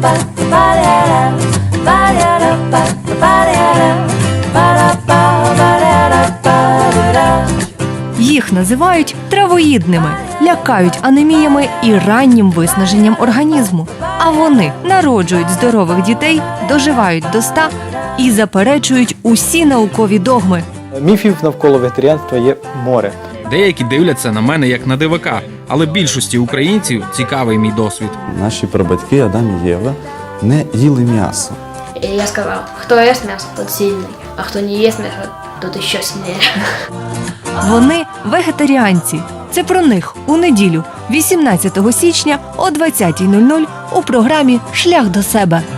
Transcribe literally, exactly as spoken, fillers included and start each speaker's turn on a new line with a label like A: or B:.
A: Їх називають травоїдними, лякають анеміями і раннім виснаженням організму. А вони народжують здорових дітей, доживають до ста і заперечують усі наукові догми.
B: Міфів навколо вегетаріанства є море.
C: Деякі дивляться на мене як на дивака, але більшості українців цікавий мій досвід.
D: Наші прабатьки Адам і Єва не їли м'ясо.
E: И я сказал, кто ест мясо, тот сильный, а кто не ест мясо, тот еще сильнее.
A: Вони вегетаріанці. Це про них у неділю, вісімнадцятого січня о двадцятій нуль нуль у програмі «Шлях до себе».